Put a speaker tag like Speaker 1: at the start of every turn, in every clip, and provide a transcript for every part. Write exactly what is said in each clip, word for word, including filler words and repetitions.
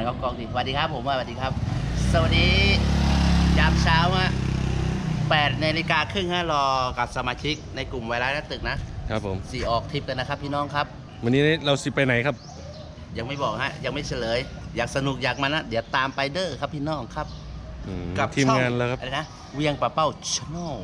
Speaker 1: เขากองดิสวัสดีครับผมสวัสดีครับสวัสดียามเช้าฮะแปดนาฬิกาครึ่งฮะรอกับสมาชิกในกลุ่มไวรัสหน้าตึกนะครับผมสี่ออกทริปกันนะครับพี่น้องครับ
Speaker 2: วันนี้เราสิไปไหนครับ
Speaker 1: ยังไม่บอกฮะยังไม่เฉลยอยากสนุกอยากมันนะเดี๋ยวตามไปเด้อครับพี่น้องครับ
Speaker 2: กับทีมงานแล้วครับ
Speaker 1: อะไรนะเวียงป่าเป้าชาแนล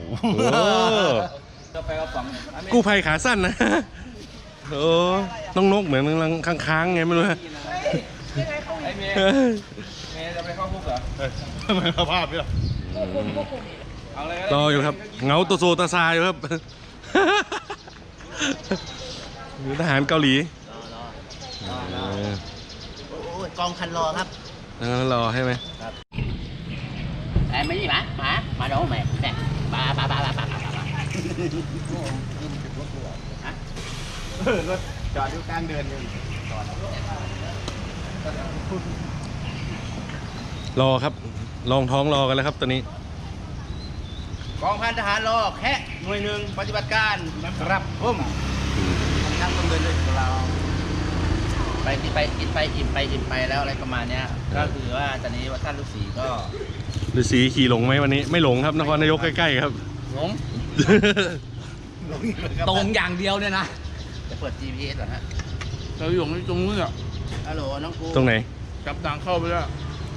Speaker 2: กู้ภัยขาสั้นนะโอ้น้องนกเหมือนกำลังค้างๆไงไม่รู้ฮะ
Speaker 3: ไอ้เมย์เมย์จะไปเข้าคุกเหรอ
Speaker 4: ทำไมสภาพเนี่ย
Speaker 2: รออยู่ครับเงาตัวโซตาซาอยู่ครับทหารเกาหลี
Speaker 1: กองคันรอครับ
Speaker 2: รอให้ไหม
Speaker 1: ไอ้ไม่นี่มามามาโดนไหมแม่ปาปาปาปาปาปาปา
Speaker 4: เออรถจอดอยู่กลางเดือนอยู่
Speaker 2: รอครับลองท้องรอกันแล้วครับตอนนี้
Speaker 1: กองพันทหารรอแค่หน่วยหนึ่งปฏิบัติการครับผมทำต้องเดินด้วยเราไปกินไปกินไปอิ่มไปอิ่มไปแล้วอะไรประมาณเนี้ยก็คือว่าตอนนี้ว่าท่านฤาษีก็
Speaker 2: ฤาษีขี่หลงไหมวันนี้ไม่หลงครับนครนายกใกล้ๆครับ
Speaker 1: หลง
Speaker 3: ตรงอย่างเดียวเนี่ยนะ
Speaker 1: จะเปิด จี พี เอส เหรอฮะ
Speaker 3: เราอยู่ตรงนู้นอ่ะ
Speaker 1: ฮัลโหลน้องกู
Speaker 2: ตรงไหน
Speaker 3: จับทางเข้าไปแล้ว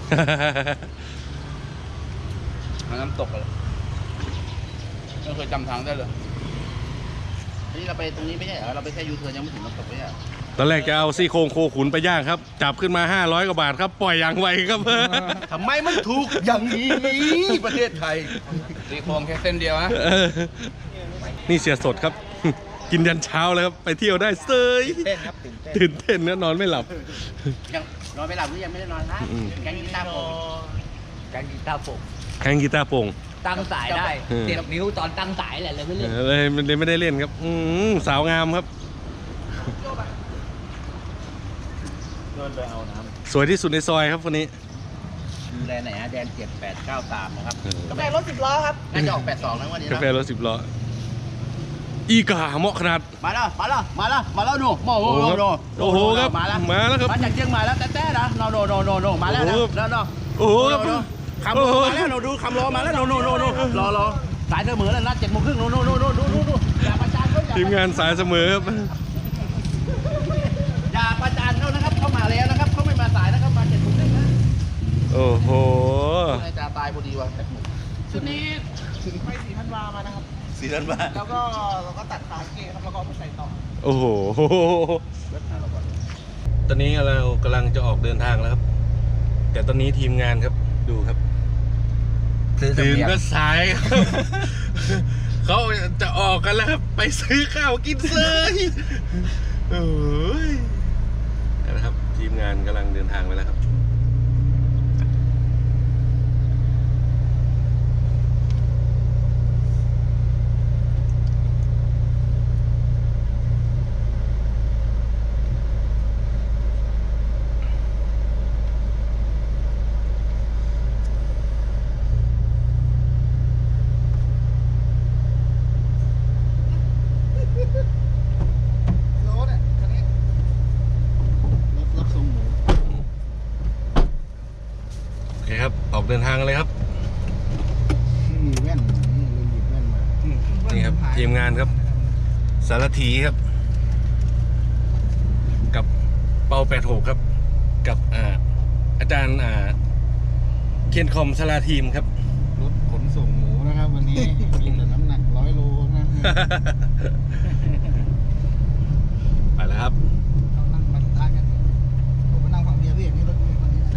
Speaker 3: น้ำตกเลยไม่เคยจำทางได้เลย
Speaker 1: นี่เราไปตรงนี้ไม่ใช่เหรอเราไปแค่ยูเทิร์นยังไม่ถึงน้ำตกไม่ใช่
Speaker 2: ตอนแรกจะเอาซี่โครงโคขุนไปย่างครับจับขึ้นมาห้าร้อยกว่าบาทครับปล่อยอย่างไวครับ
Speaker 4: ทำไมมันถูกอย่างนี้ประเทศไทย
Speaker 3: ซี่โครงแค่เส้นเดียวนะ
Speaker 2: นี่เสียสดครับกินยันเช้าเลยครับไปเที่ยวได้เซย
Speaker 4: ตื่นเต้นครับ
Speaker 2: ตื่นเต้นนะนอนไม่หลับ
Speaker 1: ยังนอนไม่หลับหรือยังไม่ได้นอนครับแกงกีตาร์โป่ง
Speaker 3: แกงกีตาร์โป่ง
Speaker 2: แกงกีตาร์โป่ง
Speaker 3: ตั้งสายได้เจ็บนิ้วตอนตั้งสายแหละเลยไม่เล่น
Speaker 2: เลยมันเลยไม่ได้เล่นครับสาวงามครับสวยที่สุดในซอยครับคนนี้
Speaker 1: ดูแลไหนฮะแดนเจ็ดแปดเก้าสามนะครับ
Speaker 5: กาแฟรถสิบล้อครับ
Speaker 1: น่าจะออกแปดสองนะวันนี้
Speaker 2: กาแฟรถสิบล้ออีกาเหมาะขนาด
Speaker 1: มาแล้วมาแล้วมาแล้วมาแล้วดูโอ้โห
Speaker 2: โอ้โหครับมาแล้วมาแล้วครับ
Speaker 1: มาจากเชียงใหม่แล้วแต่แต่นะโนโนโนโนโนมาแล้วนะแล้วเนาะ
Speaker 2: โอ้โห
Speaker 1: คำรอมาแล้วโนดูคำรอมาแล้วโนโนโนโนรอรอสายเสมอแล้วนัดเจ็ดโมงครึ่งโนโนโนโนดูดูดูอย่าประจานเขา
Speaker 2: ทีมงานสายเสมอครับ
Speaker 1: อย่าประจานเขานะครับเขามาแล้วนะครับเขาไม่มาสายนะครับมาเจ็ดโมงครึ่งนะ
Speaker 2: โอ้โห
Speaker 1: จะตายพอดีวะ
Speaker 5: ชุดนี้ไปสี่พันวามานะครับ
Speaker 1: สี่พันวา
Speaker 5: แล้วก็เราก็ตัดขาเกย์ครับแล้วก็ไปใส่ต่อ
Speaker 2: โอ้โหตอนนี้เรากำลังจะออกเดินทางแล้วครับแต่ตอนนี้ทีมงานครับดูครับตื่นก็สายเขาจะออกกันแล้วครับไปซื้อข้าวกินเลยโอ้ยนะครับทีมงานกำลังเดินทางไปแล้วครับครับออกเดินทางเลยครับ
Speaker 4: แว่นลืมหยิบแว่นมา
Speaker 2: นี่ครับทีมงานครับสารถีครับกับเปาแปดหกครับกับอ่าอาจารย์อ่าเคนคอมสลาทีมครับ
Speaker 4: รถขนส่งหมูนะครับวันนี้มีแต่น้ำหนักร้อยโลนะ
Speaker 2: ไปแล้วครับ
Speaker 4: ต้องนั่งบรรทัดกันผมมานั่งฝั่งเบียร์พี่นี่รถมีคนนี้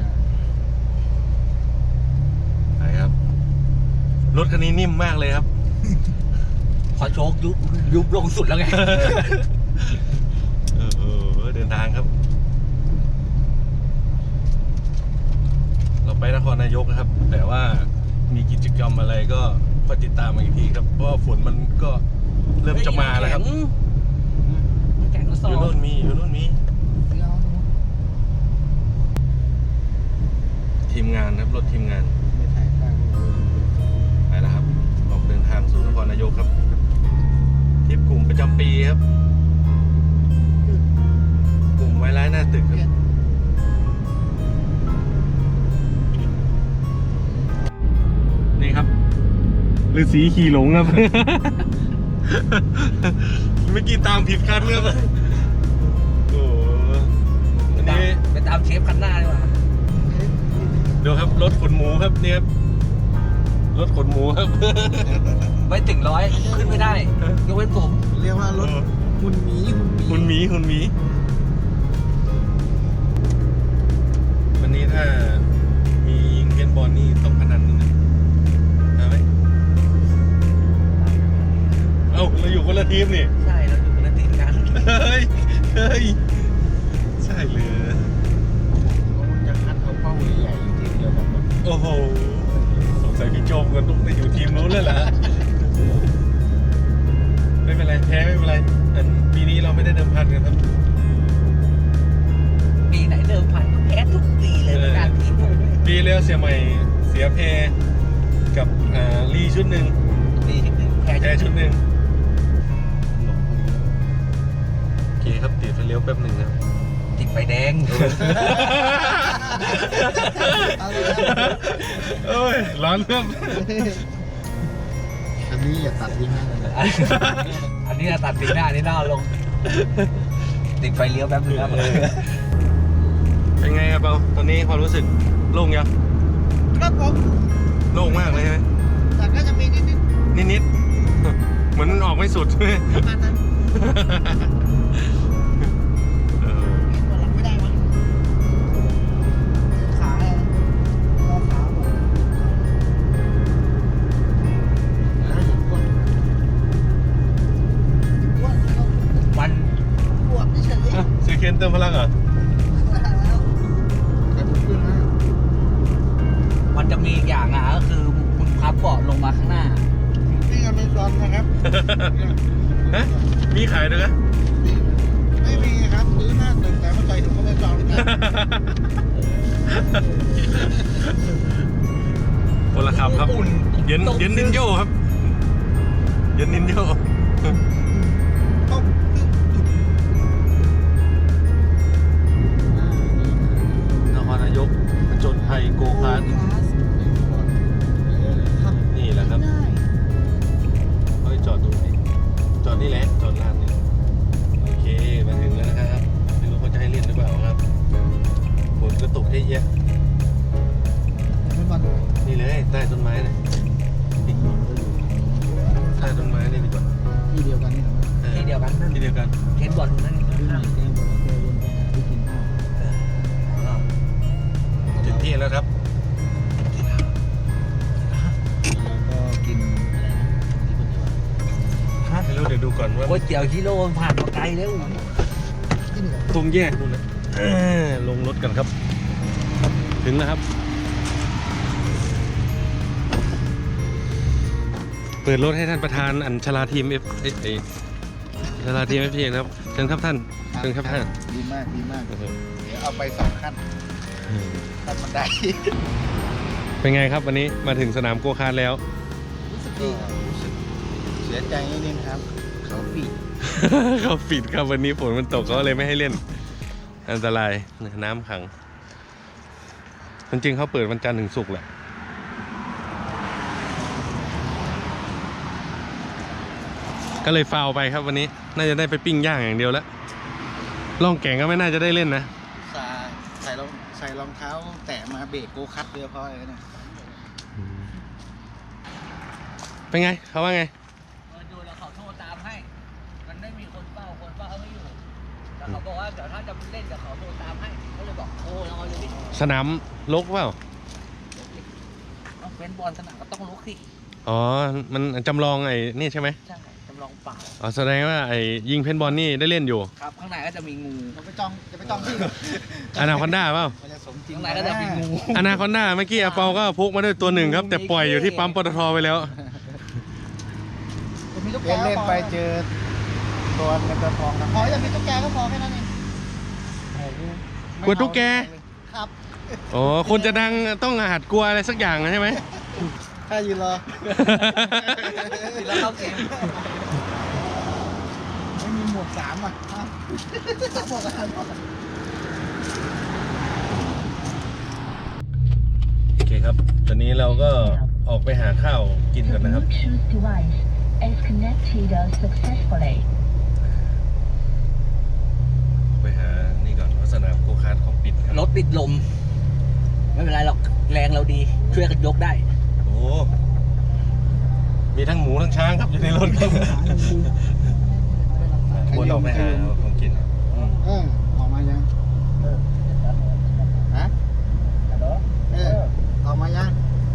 Speaker 2: ครับรถคันนี้นิ่มมากเลยครับ
Speaker 3: พอโชคยุบยุบลงสุดแล้วไง
Speaker 2: เออเดินทางครับเราไปนครนายกนะครับแต่ว่ามีกิจกรรมอะไรก็คอยติดตามมาอีกทีครับเพราะฝนมันก็เริ่มจะมาแล้วครับอยู่โน่นมีอยู่โน่นมีทีมงานครับรถทีมงานไปแล้วครับออกเดินทางสู่นครนายกครับทริปกลุ่มประจำปีครับกลุ่มไวรัสหน้าตึกครับฤาษีขี่หลงครับ เมื่อกี้ตามผิดคันครับโอ้อันนี้
Speaker 3: ไปตามเชฟคันหน้าดีกว่า
Speaker 2: ดูครับรถขนหมูครับเนี่ยครับรถขนหมูครับ
Speaker 3: ไม่ถึงร้อยขึ้นไม่ได้ยกเว้นผม
Speaker 4: เรียกว่ารถหุ่นหมีหุ่นหมี
Speaker 2: คุณหมีคุณหมีวันนี้ถ้ามียิงเกนบอลนี่ต้องพนันนิดนึงเอาไหมเอ้าเราอยู่คนละทีมนี่
Speaker 3: ใช่เราอยู่คนละทีมกัน
Speaker 2: เฮ้ยเฮ้ยใช่เลย
Speaker 4: มันจะคัดเอาเป้าใหญ่ๆทีเดียวกันหมด
Speaker 2: โอ้โหสงสัยพี่โจมกันต้องไปอยู่ทีมนู้นแล้วล่ะไม่เป็นไรแพ้ไม่เป็นไรอันปีนี้เราไม่ได้เดิมพันกันครับ
Speaker 3: ปีไหนเดิมพันก็แพ้ทุกปีเลยในการทีมผม
Speaker 2: ปีแล้วเสียใหม่เสียเพกับอ่าลีชุดหนึ่ง
Speaker 3: ปีที่หนึ่งแพ้
Speaker 2: แพ้
Speaker 3: ชุ
Speaker 2: ชุ
Speaker 3: ด
Speaker 2: ดหนึ่งโอเคครับติดไฟเลี้ยวแป๊บหนึ่งครับ
Speaker 3: ติดไฟแดง
Speaker 4: เอาเลย
Speaker 2: โอ้ยร้อนครับ
Speaker 4: อันนี้อย่าตัดทิ้งนะเลย
Speaker 3: อันนี้ตัดปีหน้านี่น่าลง ติดไฟเลี้ยวแป๊บนึงครับ
Speaker 2: เป็นไงครับเปาตอนนี้ความรู้สึกโล่งยัง
Speaker 4: ครับผม
Speaker 2: โล่งมากเลยใช่ไหม
Speaker 4: แต่ก็จะมีนิด
Speaker 2: นิดๆเหมือนมันออกไม่สุดใช่ไหม
Speaker 4: ๆประมาณนั้น
Speaker 2: เออ
Speaker 4: ตัวหลังไม่ได้มั้งขาเลยรอขาหมดแล้วหยิบก้นก้นแล้ว
Speaker 3: มัน
Speaker 4: บวมเฉย
Speaker 2: อ่ะซีเคนเติมพลังเหรอ
Speaker 4: แล้วแต่ผมขึ้นนะ
Speaker 3: มันจะมีอีกอย่างอ่ะก็คือคุณพับเบาะลงมาข้างหน้า
Speaker 4: นี่อเมซอนนะครับ
Speaker 2: ฮะมีขายด้วยนะ
Speaker 4: ไม่มีครับซื้อหน้าตึกแต่มาใส่ถุงอเมซอนเลยครับ
Speaker 2: คนละคำครับเย็นเย็นนินโยครับเย็นนินโย
Speaker 4: ต้องตึ๊บจุด
Speaker 2: นครนายกผจญภัยโกคาร์ทนี่แหละครับเฮ้ยจอดตรงไหนจอดนี่แหละจอดลานนี่โอเคมาถึงแล้วนะครับไม่รู้เขาจะให้เล่นหรือเปล่าครับฝนก็ตกเยอะแยะ
Speaker 4: ไม่บอล
Speaker 2: นี่เลยใต้ต้นไม้นะใต้ต้นไม้นี่ดีกว่า
Speaker 4: ที่เดียวกันนี่เหรอ
Speaker 2: ออ
Speaker 3: ที่เดียวกันนั่น
Speaker 2: ที่เดียวกัน
Speaker 3: เห็นบอลนั่น
Speaker 4: ที่ไหนแกบอกว่าแกวนไปหาที่กินข้าว
Speaker 2: ถึงที่แล้วครับ
Speaker 4: แล้วก็กินอะไรนะที่คนเดียว
Speaker 2: ไม่รู้เดี๋ยวดูก่อนว่า
Speaker 3: ก๋วยเตี๋ยวฮิโร่มันผ่านมาไกลแล้ว
Speaker 4: ที่เหนือ
Speaker 2: ตรงแยกนู่นนะเออลงรถกันครับ ถึงแล้วครับ เปิดรถให้ท่านประธานอัญชลาทีมเอฟเอเอชลาทีมเอฟทีนะครับเชิญครับท่านเชิญครับท่าน
Speaker 4: ดีมากดีมาก
Speaker 2: โอ้โห
Speaker 4: เดี๋ยวเอาไปสองขั้นขั้นบันได
Speaker 2: เป็นไงครับวันนี้มาถึงสนามโกคาร์ทแล้ว
Speaker 4: รู้สึกดีครับรู้สึกเสียใจนิดนึงครับ เขาปิด
Speaker 2: เขาปิดครับวันนี้ฝนมันตกเขาเลยไม่ให้เล่น อันตรายน้ำขังจริงๆเขาเปิดวันจันทร์ถึงศุกร์แหละก็เลยฟาวไปครับวันนี้น่าจะได้ไปปิ้งย่างอย่างเดียวแล้วล่องแก่งก็ไม่น่าจะได้เล่นนะ
Speaker 4: ใส่ใส่รองใส่รองเท้าแตะมาเบรกโกคัตเรียบร้อยเลยนะ
Speaker 2: เป็นไงเขาว่าไง
Speaker 3: ดูแล้วเขาโทรตามให้ มันไม่มีคนเฝ้าคนเฝ้าเขาไม่อยู่แล้วเขาบอกว่าเดี๋ยวถ้าจะเล่นเดี๋ยวเขาโทรตามให้ก็เลยบอกโทรแล้วเอาเลยดิ
Speaker 2: สนามลกเปล่า
Speaker 3: เอาเป็นบอลสนามก็ต้องลุกสิ
Speaker 2: อ๋อมันจำลองไอ้นี่ใช่ไหม
Speaker 3: ใช่จำลองเปล่า
Speaker 2: อ๋อแสดงว่าไอ้ยิงเพนบอลนี่ได้เล่นอยู่
Speaker 3: ครับข้างในก็จะมีงู
Speaker 4: จะไปจองจะไปจองที่
Speaker 2: อนาคอนด้าเปล่า
Speaker 4: มันจะสมจริง
Speaker 3: ข้างในก็จะมีงู
Speaker 2: อนาคอนด้าเมื่อกี้อาเปาก็พกมาด้วยตัวหนึ่งครับ แต่ปล่อยอยู่ที่ปั๊มปตทไปแล้ว
Speaker 4: มีตุ๊กแกเล่นไปเจอตัวเงินตัวทองนะขออย่ามีตุ๊กแกก็พอแค่นั้นเอง
Speaker 2: กลัวตุ๊กแก
Speaker 4: ครับ
Speaker 2: อ๋อคนจะดังต้องหัดกลัวอะไรสักอย่างนะใช่ไหม
Speaker 4: ถ้ายืนรอ
Speaker 3: แล้วเข้าเกม
Speaker 4: ไม่มีหมวกสามอ่ะอ่ะสามหมวกอะไรหมวก
Speaker 2: โอเคครับ ตอนนี้เราก็ออกไปหาข้าวกินกันนะครับ
Speaker 6: Bluetooth device is connected successfully.
Speaker 2: ไปหานี่ก่อนเพราะสนามโกคาร์ทเขาปิดครับ
Speaker 3: รถติดลม ไม่เป็นไรหรอกแรงเราดี ช่วยกันยกได้
Speaker 2: โอ้มีทั้งหมูทั้งช้างครับอยู่ในรถครับวนออกไปหาของกินอืม
Speaker 4: เออออกมายังฮะเออออกมายัง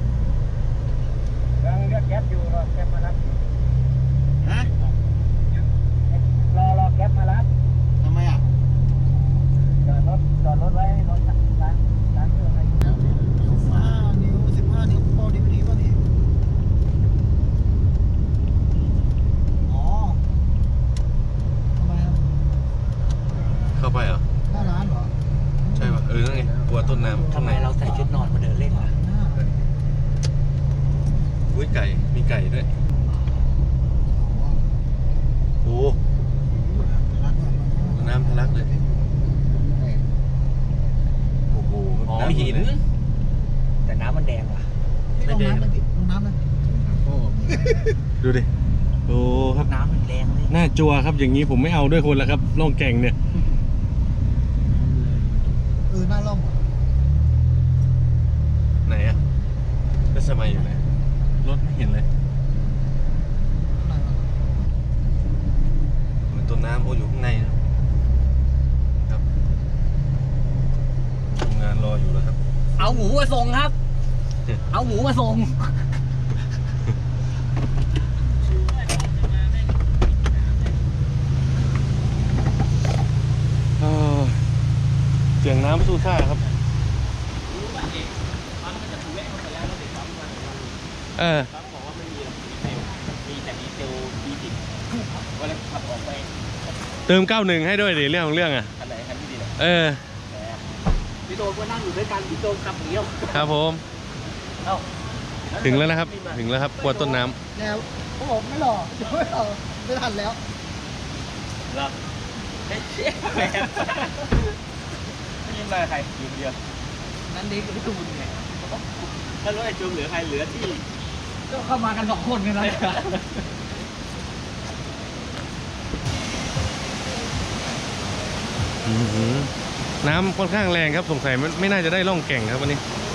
Speaker 3: ยังเรียกแก๊ปอยู่รอแก๊ปมารับ
Speaker 4: ฮะ
Speaker 3: รอรอแก๊ปมารับ
Speaker 4: ทำไมอ่ะ
Speaker 3: จอดรถจอดรถไว้ให้รถร้านร้านเครื่องให้
Speaker 4: นิ้วฟ้านิ้วสิบห้านิ้วโปรดีดีป่ะนี่อ๋อทำไมครับ
Speaker 2: เข้าไปเหรอ
Speaker 4: หน้าร้านเหรอ
Speaker 2: ใช่ป่ะเออนั่นไงกลัวต้นน้ำ
Speaker 3: ทำไมเราใส่ชุดนอนมาเดินเล่นล่ะ
Speaker 4: หน้า
Speaker 2: อุ้ยไก่มีไก่ด้วยโอ้น้ำทะลักเลยโอ้โห
Speaker 3: อ๋อ
Speaker 2: ำ
Speaker 3: หิน
Speaker 2: เลย
Speaker 3: แต่น้ำมันแดงว่ะ
Speaker 4: ลงน้ำเลยลงน้ำเลย
Speaker 2: ดูดิโอ้ครับ
Speaker 3: น้ำมันแดงเลย
Speaker 2: หน้าจัวครับอย่างนี้ผมไม่เอาด้วยคนละครับล่องแก่งเนี่ย
Speaker 4: เออหน้าร่องเหรอ
Speaker 2: ไหนอะก็สมัยอยู่ไหนรถไม่เห็นเลย
Speaker 4: หน้าร่อง
Speaker 2: เหมือนต้นน้ำโอ้อยู่ข้างในนะครับทำงานรออยู่แล้วครับ
Speaker 3: เอาหมูมาส่งครับ เอาหมูมาส่ง
Speaker 2: เออเสียงน้ำสู้ซ่าครับเออ
Speaker 3: มีแต่ดีเซลดีสิบเวลาขับออกไป
Speaker 2: เติมเก้าหนึ่งให้ด้วยดิเรื่องของเรื่องอ่ะ
Speaker 3: คันไหนคันที่ดีเลย
Speaker 2: เออ
Speaker 3: พี่โดนก็นั่งอยู่ด้วยกันพี่โดนขับหนีออก
Speaker 2: ครับผม
Speaker 3: เอ้า
Speaker 2: ถึงแล้วนะครับ ถึงแล้วครับกลัวต้นน้ำ
Speaker 4: แล้วเขาบอกไม่หล่อไม่หล่อไม่ทันแล้ว
Speaker 3: เหรอเฮ้ยเชี่ยแม่ยิ้มอะไรใครอยู่เดียวนั่นเด็กกับพี่ตูนไงถ้ารถไอ้จูมเหลือใครเหลือที่ก็เข้ามากันสองคนกันนะ
Speaker 2: อื้อหือน้ำค่อนข้างแรงครับสงสัยไม่ไม่น่าจะได้ล่องแก่งครับวันนี้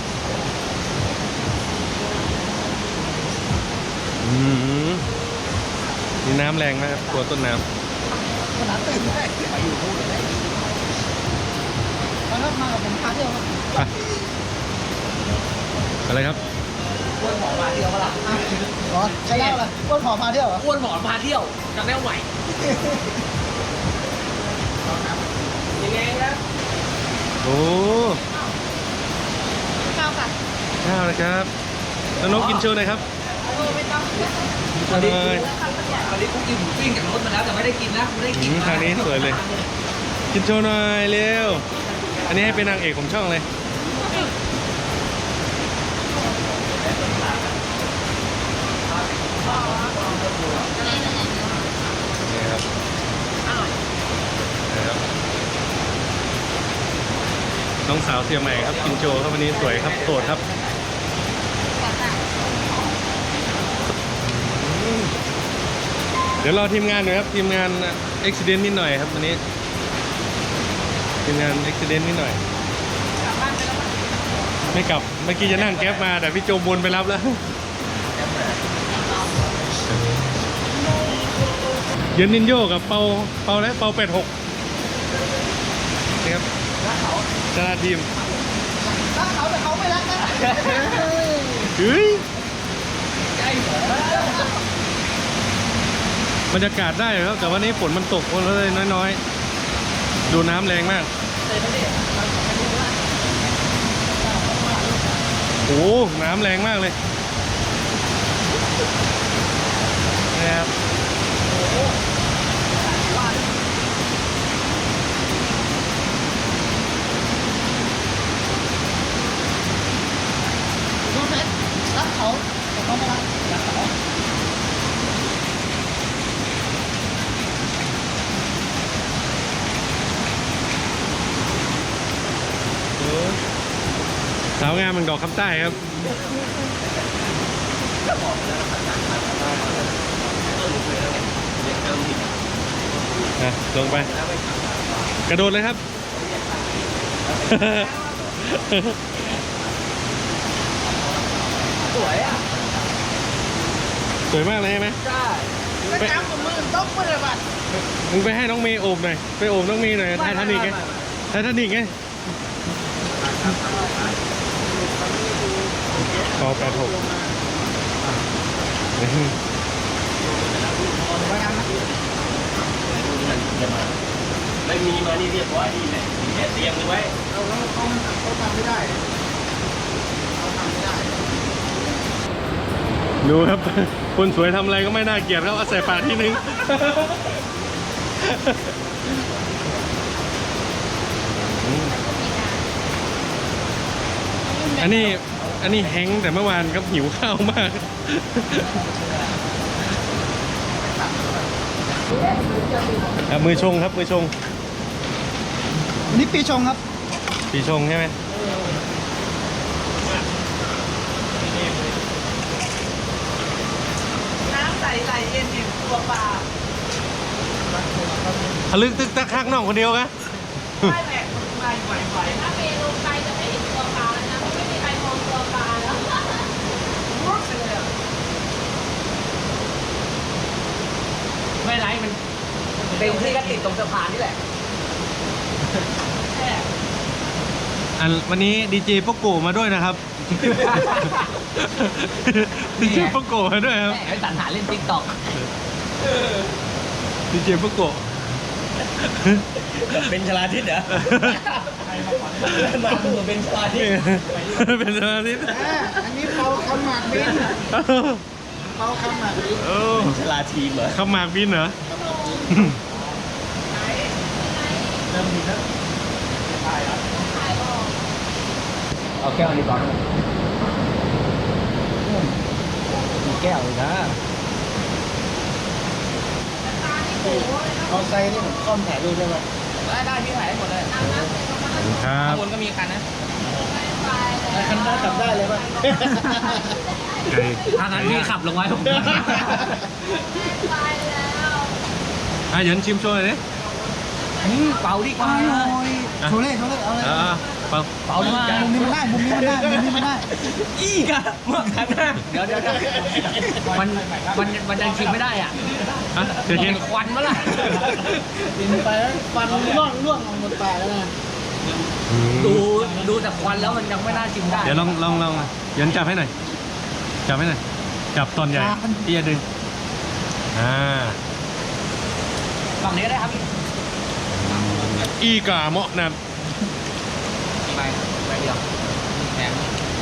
Speaker 2: อื้อหือนี่น้ำแรงมากครับกลัวต้นน้
Speaker 4: ขนาดตื่นได้ไปอยู่พูดอะไรมาครับมากับผมพาเที่ยวครับ
Speaker 2: ำไปอะไรครับ
Speaker 3: อ้วนหมอมาเที่ยวปะล่ะ
Speaker 4: อ๋อใช่แล้วล่ะก้นขอพาเที่ยวเหรอ
Speaker 3: อ้วนหมอมาเที่ยวจำได้ไหวยังไงนะ
Speaker 2: โอ้
Speaker 6: ข้าวค่ะ
Speaker 2: ข้าวนะครับแล้วนกกินโชว์หน่อยครับ
Speaker 6: ไม่ต้อง
Speaker 2: กินโชว์หน่อย
Speaker 3: ตอนนี้กูกินหมูปิ้งจากรถมาแล้วแต่ไม่ได้กินนะไม่ได้กิน
Speaker 2: อืมทางนี้สวยเลย กินโชว์หน่อยเร็ว อันนี้ให้เป็นนางเอกของช่องเลยนี่ครับนี่ครับ น้องสาวเสียใหม่ครับกินโชว์ครับวันนี้สวยครับโสดครับอืมเดี๋ยวรอทีมงานหน่อยครับทีมงานอุบิเหตุนิดหน่อยครับวันนี้ทีมงานอุบิเหตุนิดหน่อยไม่กลับเมื่อกี้จะนั่งแก๊ปมาแต่พี่โจมวนไปรับแล้วเย็นนินโยกับเปาเปาและเปาแปดหกนี่ครับชนะทีม
Speaker 4: รักเขาแต่เขาไม่รักนะ
Speaker 2: เฮ้ย
Speaker 3: ใจเหรอบ
Speaker 2: รรยากาศได้ครับแต่วันนี้ฝนมันตกคนเลยน้อยๆ ดูน้ำแรงมากโอ้น้ำแรงมากเลยนะครับ
Speaker 4: ดูเซ็ตรักเขาแต่เขาไม่รักรักเขา
Speaker 2: สาวงามเมืองดอกคำใต้ครับอ่ะลงไป กระโดดเลยครับ
Speaker 3: สวยอ่ะ
Speaker 2: สวยมากเลยใช่ไหม
Speaker 3: ใช่
Speaker 5: ไปตามกับมือต้องมือเลยบัด
Speaker 2: มึงไปให้น้องเมย์โอบหน่อย ไปโอบน้องเมย์หน่อยไททานิกไงไททานิกไงพอแปดหก
Speaker 1: ไม่มีมานี่เรียบร้อยนี่แหละแค่เตรียมไว้
Speaker 4: เราเราเขาเขาทำไม่ได้เขาทำไม่ได้
Speaker 2: ดูครับ คนสวยทำอะไรก็ไม่น่าเกลียดครับเอาใส่ปากทีนึง อันนี้อันนี้แฮงค์แต่เมื่อวานครับหิวข้าวมาก ครับมือชงครับมือชง
Speaker 4: อันนี้ปีชงครับ
Speaker 2: ปีชงใช่ไหม
Speaker 5: น้ำใสไหลเย็นอยู่ตัวปลา
Speaker 2: ทะลึกตึกตักคักน้องคนเดียวกะ
Speaker 5: ไม่แหลกไม่ไหวไหว
Speaker 7: ถ้าเมย์ลงไปจะไม่เห็นตัวปลาแล้วนะเพราะไม่มีใครมองตัวปลาแล้ว
Speaker 5: รุดเลยอ่ะ
Speaker 3: ไม่ไรมันเต็มที่ก็ติดตรงสะพานนี่แหละ
Speaker 2: อันวันนี้ดีเจโปโกมาด้วยนะครับ ดีเจโปโกมาด้วยครับ
Speaker 3: แหมไอ้สันหาเล่นติ๊กต็อก
Speaker 2: ดีเจโปโก
Speaker 1: เป็นชลาทิศเหรอมาตัวเป็นชลาทิศ
Speaker 2: เป็นสมาธิ
Speaker 4: อ่าอันนี้เปาคำหมากบินเปาคำหมากบิน
Speaker 2: โอ้
Speaker 1: ชลาทีมเหรอ
Speaker 2: ขมากบินเหรอ
Speaker 3: เอาแก้วนี้ก่อนมีแก้วเลยนะ
Speaker 4: เอาไซนี่ผมคอมถ่ายรูปได้ไหม
Speaker 3: ได้ได้พี่ถ่ายให้หมดเลย
Speaker 2: ขอบคุณครั
Speaker 3: ข้า
Speaker 2: บ
Speaker 3: งบนก็มีคันนะ
Speaker 4: คันหน้าขับได้เลยป่ะ
Speaker 2: ไก่
Speaker 3: ทางนั้นพี่ขับลงไว้ผม
Speaker 2: อ่ะเดี๋ยวชิมโชว์หน่อยดิ
Speaker 3: อืมเป่าดีกว่า
Speaker 4: โอ้ยโชว์เล่โชว์เล่เอาเลย
Speaker 2: อ่าเปล่า
Speaker 3: เป่าดีกว่า
Speaker 4: มุมนี้มันได้มุมนี้มันได้มุมนี้มันได้
Speaker 3: อีกอะเมื่อคันนะเดี๋ยวเดี๋ยวเดี๋ยวมันมันมันยังชิมไม่ได้อ่ะ
Speaker 2: อ่ะเดี๋ยวกิน
Speaker 3: ควันมาล่ะ
Speaker 4: กินไปแล้วฟันร่วงร่วงลงบนปลายแล้วนะ
Speaker 2: อืม
Speaker 3: ดูดูแต่ควันแล้วมันยังไม่น่าชิมได้
Speaker 2: เดี๋ยวลองลองลองเดี๋ยวจับให้หน่อย จับให้หน่อย จับตอนใหญ่เอียดึง อ่า
Speaker 3: ฝั่งนี้ก็ได้ครับพี่
Speaker 2: อีกาเหมาะนะ
Speaker 3: ไปไปเดียวแหม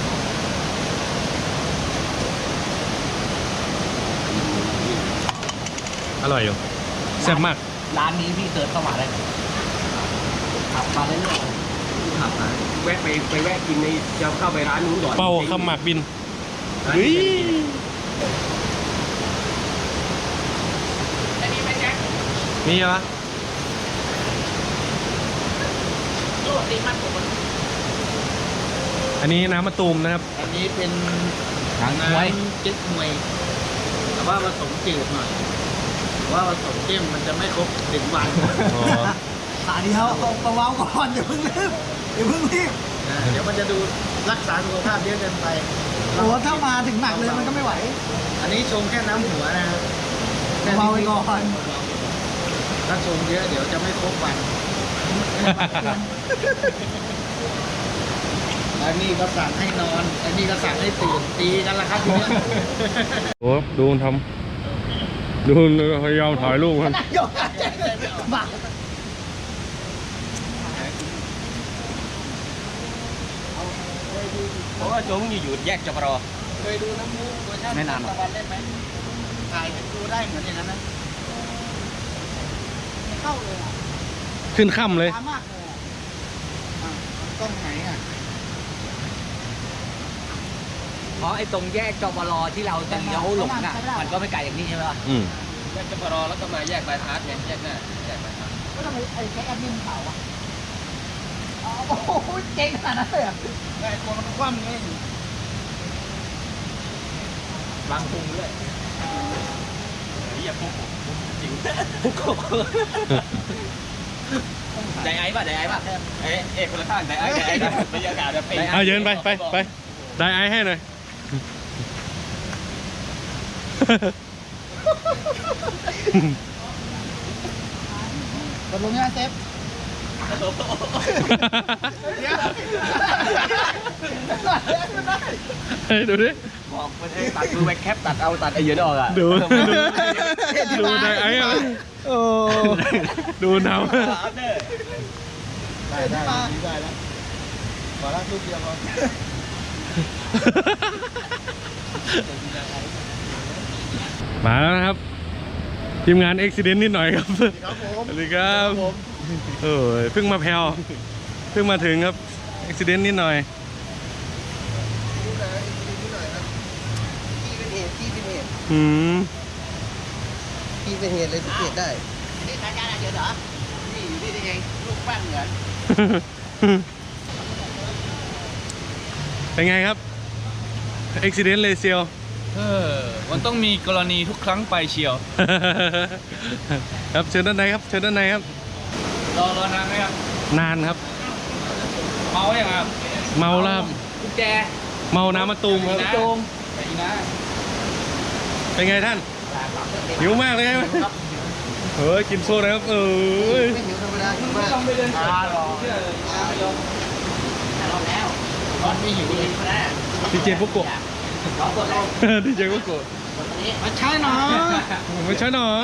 Speaker 2: อร่อยอยู่แซ่บมาก
Speaker 3: ร้านนี้พี่เสิร์ชเข้ามาได้ขับมาเรื่อยๆขับมา
Speaker 1: แวะไปไปแวะกินในจะเข้าไปร้านนู้นก่อน
Speaker 2: เป่าขมากบินเฮ้ย
Speaker 5: อันนี้เป็นแจ็ค
Speaker 2: มีเหรอ
Speaker 5: โลดตีมันผมมัน
Speaker 2: อันนี้น้ำมะตูมนะครับ
Speaker 4: อันนี้เป็น
Speaker 3: หางมวย
Speaker 4: เจ๊กมวยแต่ว่าผสมจืดหน่อยว่าผสมเข้มมันจะไม่ครบถึงวัน
Speaker 2: อ๋อ
Speaker 4: ขาเดียวเอาเบาๆก่อนอย่าเพิ่งรีบอย่าเพิ่งรีบเดี๋ยวมันจะดูรักษาสุขภาพเยอะเกินไปโอ้ถ้ามาถึงหนักเลยมันก็ไม่ไหว อันนี้ชงแค่น้ำหัวนะเบาไปก่อนถ้าชงเยอะเดี๋ยวจะไม่ครบวันอันนี้ก็สั่งให้นอนอันนี้ก็สั่งให้ตื่นตีกันละครับทีนี้
Speaker 2: โอ้ดูมันทำดูมันพยายามถ่ายรูปมัน
Speaker 4: ยกบ้า
Speaker 1: เพราะว่าโจมอยู่อยู่แยกจปร
Speaker 4: เคยดูน้ำมูกเวอร์ชัน
Speaker 3: ไม่นานหร
Speaker 4: ตะ
Speaker 3: อก
Speaker 4: วันเล่นไหมถ่ายดูได้เหมือนอย่างนั้นนะไม่เข้าเลยอ่ะ
Speaker 2: ขึ้นค่ำเลย
Speaker 4: ช้ามากเลยอ่ะอ่ะกล้องไหนอ่ะ
Speaker 3: เพราะไอ้ตรงแยกจปรที่เราจะเลี้ยวหลงอ่ะมันก็ไม่ไกลอย่างนี้ใช่ไหมล่ะ
Speaker 2: อืม
Speaker 1: แยกจปรแล้วก็มาแยกบายพาสไงแยกหน้าแยกบายพาส
Speaker 4: ก็ทำไมไอ้แค่แอดมินเขาอ่ะอ๋อโอ้โหเจ๋งขนาดนั้นเลยอ่ะไอ้ตัวมันคว่ำไง
Speaker 3: วางพุงด้วยอย่าพุงผมจริงพุงไดไอ้ป่ะไดไอ้ป่ะเอ๊ะเอ๊ะคนละข้างไดไอ้ไดไอ้บรรยากาศแบบเป็น
Speaker 2: เอาเยินไปไปไปได้ไอให้หน่อย
Speaker 4: ตกลงยังเซฟ
Speaker 2: เฮ้ยดูดิ
Speaker 3: บอกมันเองตัดดูแบ็คแคปตัดเอาตัดไอ้เยอะออกอ่ะ
Speaker 2: ดูดูดูได้ไอ้อะโอ้ดูหนาว
Speaker 4: ได้ได้ได้แล้วขอรักลูกเดียวพอ
Speaker 2: มาแล้วนะครับ ทีมงานเอ็กซิเดนต์นิดหน่อยครับ
Speaker 4: ครับผม
Speaker 2: สวัสดีครับเออเพิ่งมาแพลวเพิ่งมาถึงครับเอ็กซิเดนต์นิดหน่อย
Speaker 4: ที่เป็นเหตุที่เป็นเหตุ
Speaker 2: อืม
Speaker 4: ที่เป็นเหตุเลยสังเกตได้
Speaker 1: นี่ทางการเยอะเหรอนี่อยู่นี่ได้ไงลูกบ้านเหมือน
Speaker 2: เป็นไงครับเอ็กซิเดนต์เลยเซียว
Speaker 3: เออมันต้องมีกรณีทุกครั้งไปเชียว
Speaker 2: ครับเชิญด้านในครับเชิญด้านในครับ
Speaker 3: รอรอนานไหมครับ
Speaker 2: นานครับ
Speaker 3: เมาอย่างครับ
Speaker 2: เมาแล้วครับ
Speaker 3: กุญแจ
Speaker 2: เมาน้ำมะตูมครับ
Speaker 3: โจมไปอีกนะ
Speaker 2: เป็นไงท่านหิวมากเลยไหมเฮ้ยกินโซ่นะครับเอ้ย
Speaker 4: ไม่หิวธรรมดาหิวมาก
Speaker 3: ต้องไปเดินสายหรอ
Speaker 1: เราแล้วตอนไม่หิวเลยก็ได้
Speaker 2: ดีเจฟุกุ
Speaker 1: เรากดเรา
Speaker 2: ดีเจฟุกุ
Speaker 1: กดนี้
Speaker 4: มาใช่เนาะ
Speaker 2: ไม่ใช่หนอ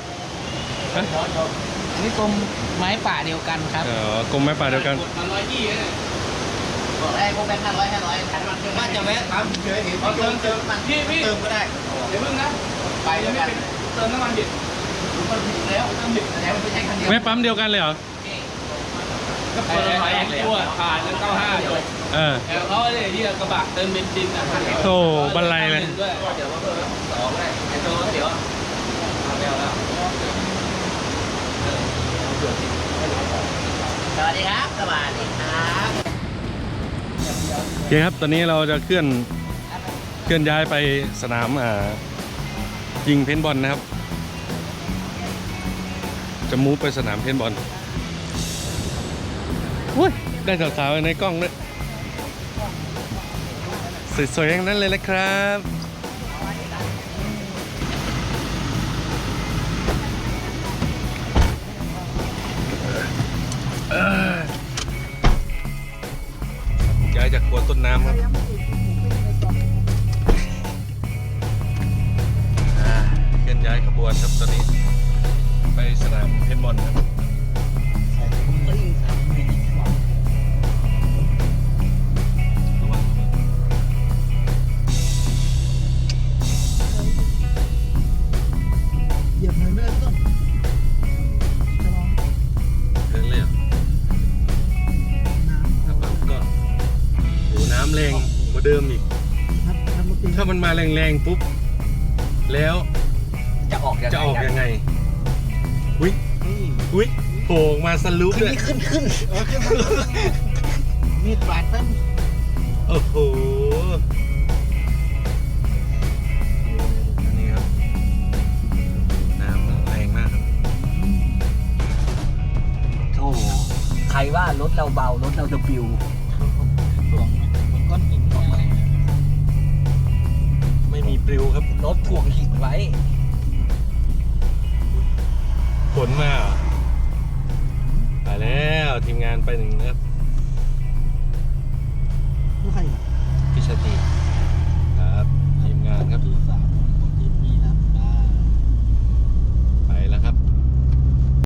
Speaker 4: นี่กรมไม้ป่าเดียวกันครับ
Speaker 2: อ๋อกลมไม้ป่าเดียวกัน
Speaker 3: มันร้อยยี่เลย
Speaker 1: กดได้พวกแบงค์ห้าร้อยห้าร้อยทันมันเติมว่าจะแวะทำเฉยเห็นเติมเติมมัน
Speaker 3: พี่พี่
Speaker 1: เติมก็ได้
Speaker 3: เดี๋ยวพึ่งนะ
Speaker 1: ไปแล้วกัน
Speaker 3: เติมน้ำมันดิบ
Speaker 1: มันผิดแล้วเติมผิดแล้วมันไม่ใช่คันเดียว
Speaker 2: ไม่ปั๊มเดียวกันเลยเหรอ
Speaker 3: ก็เปิดไฟตัวผ่านแล้วเก้าห้าจบ
Speaker 2: เออ
Speaker 3: แต่เขาเลยที่กระบะเติมเบนซินอ่ะ
Speaker 2: โอ้บรรลัยเลย
Speaker 3: ด้วยเดี๋ยวว่าเพิ่มสองได้ไอ้ตัวเดี๋ยวเอาแล้วแล้ว
Speaker 1: สวัสดีครับสวัสดีครับ
Speaker 2: โอเคครับ ตอนนี้เราจะเคลื่อนเคลื่อนย้ายไปสนามอ่ายิงเพนบอลนะครับ จะมูฟไปสนามเพนบอลอุ้ยได้สาวๆในกล้องด้วยสวยๆอย่างนั้นเลยนะครับย้ายจากครัวต้นน้ำครับอ่าเคลื่อนย้ายขบวนครับตอนนี้ไปสนามเพนบอลครับ
Speaker 4: เหยียบเลยไม่ได้ต้น
Speaker 2: เดินเลยเหรอครับก็โหน้ำแรงกว่าเดิมอีก
Speaker 4: ครับทำรถตี
Speaker 2: ถ้ามันมาแรงๆปุ๊บ แล้ว
Speaker 3: จะออกยังไง
Speaker 2: จะออกยังไงอุ้ยอุ้ยโผล่ออกมาสลุปด้วย
Speaker 4: ขึ้นขึ้นเออขึ้นมีดบาดต้น
Speaker 2: โอ้โหนี่ครับ น้ำแรงมากครับ
Speaker 3: โอ้ใครว่ารถเราเบารถเราจะปิว
Speaker 4: หลวงเหมือนก้อนหินออกมา
Speaker 2: ไม่มีปลิวครับ
Speaker 3: รถถ่วงหินไว้
Speaker 2: ฝนมาเหรอไปแล้วทีมงานไปหนึ่งนะครับ